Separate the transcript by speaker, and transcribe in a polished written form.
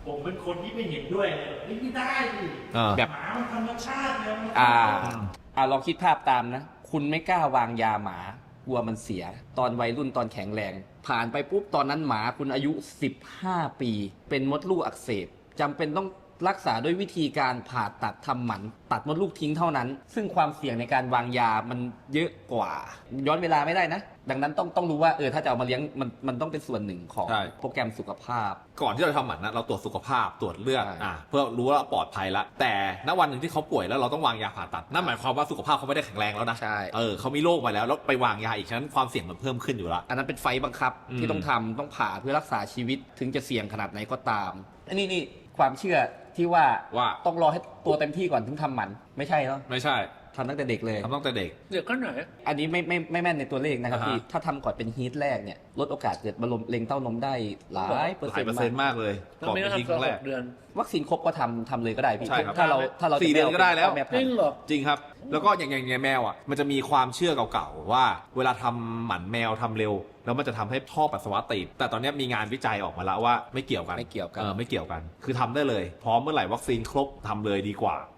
Speaker 1: ผมเป็นคนที่ไม่เห็นด้วยเลยไม่ได้ดิ
Speaker 2: แบบ
Speaker 1: หมามันธรรมชาติเลยมัน
Speaker 3: ลองคิดภาพตามนะ คุณไม่กล้าวางยาหมากลัวมันเสีย ตอนวัยรุ่นตอนแข็งแรง ผ่านไปปุ๊บตอนนั้นหมาคุณอายุ 15 ปี เป็นมดลูกอักเสบจำเป็นต้องรักษาด้วยวิธีการผ่าตัดทำหมัน ตัดมดลูกทิ้งเท่านั้น ซึ่งความเสี่ยงในการวางยามันเยอะกว่า ย้อนเวลาไม่ได้นะ ดังนั้นต้องรู้ว่าถ้าจะเอามาเลี้ยงมันต้องเป็นส่วนหนึ่งของ
Speaker 2: ใช่
Speaker 3: โปรแกรมสุขภาพ
Speaker 2: ก่อนที่เราทำหมันนะเราตรวจสุขภาพตรวจเลือด
Speaker 3: ใช่
Speaker 2: เพื่อรู้ว่าปลอดภัยแล้วแต่ณวันหนึ่งที่เขาป่วยแล้วเราต้องวางยาผ่าตัดนั่นหมายความว่าสุขภาพเขาไม่ได้แข็งแรงแล้วนะ
Speaker 3: ใช่
Speaker 2: เขามีโรคมาแล้วไปวางยาอีกฉะนั้นความเสี่ยงมันเพิ่มขึ้นอยู่แล้ว
Speaker 3: อันนั้นเป็นไฟบังคับ
Speaker 2: อืม
Speaker 3: ที่ต้องทำต้องผ่าเพื่อรักษาชีวิตถึงจะเสี่ยงขนาดไหนก็ตามอันนี้ความเชื่อที่ว่าต้องรอให้ตัวเต็มที่ก่อนถึงทำหมันไม่ใช่เนาะ
Speaker 2: ไม่ใช่
Speaker 3: ทำตั้งแต่เด็กเลย
Speaker 2: ทำตั้งแต่เด็ก
Speaker 4: เดี๋ยวก็หน่อย
Speaker 3: อันนี้ไม่แม่นในตัวเลขนะครับ
Speaker 2: อ่าฮะ
Speaker 3: พี่ถ้าทำก่อนเป็นฮีทแรกเนี่ยลดโอกาสเกิดมะเร็งเต้านมได้หลายเปอร์
Speaker 2: ห
Speaker 3: เซ็
Speaker 2: ลาน ยเปอร์
Speaker 3: ต์
Speaker 2: เซ็นต์
Speaker 3: มาก
Speaker 2: มากเลย
Speaker 4: แล้ว
Speaker 2: ก่อน
Speaker 4: ไม่
Speaker 2: เป็
Speaker 4: ต้อน ง
Speaker 2: ทีค
Speaker 4: ทำ
Speaker 2: รั้งแร
Speaker 4: 6
Speaker 2: ก
Speaker 4: เดือน
Speaker 3: วัคซีนครบก็ทำเลยก็ได้พี่
Speaker 2: ใช่ครับ
Speaker 3: ถ้าเราจะ
Speaker 2: 4 เดือนก็ได้แล้ว
Speaker 3: ม่
Speaker 4: จ
Speaker 3: พัน
Speaker 4: ริง
Speaker 3: ธุ์
Speaker 4: เหรอ
Speaker 2: จริงครับ แล้วก็อย่างแมวอ่ะมันจะมีความเชื่อเก่าๆว่าเวลาทำหมันแมวทำเร็ว แล้วมันจะทำให้ท่อปัสสาวะตีบแต่ตอนนี้มีงานวิจัยออกมาแล้วว่าไม่เกี่ยวกัน
Speaker 3: ไม่เกี่ยวกัน
Speaker 2: ไม่เกี่ยวกัน คือทำได้เลย พร้อมเมื่อไหร่วัคซีนครบทำเลยดีกว่า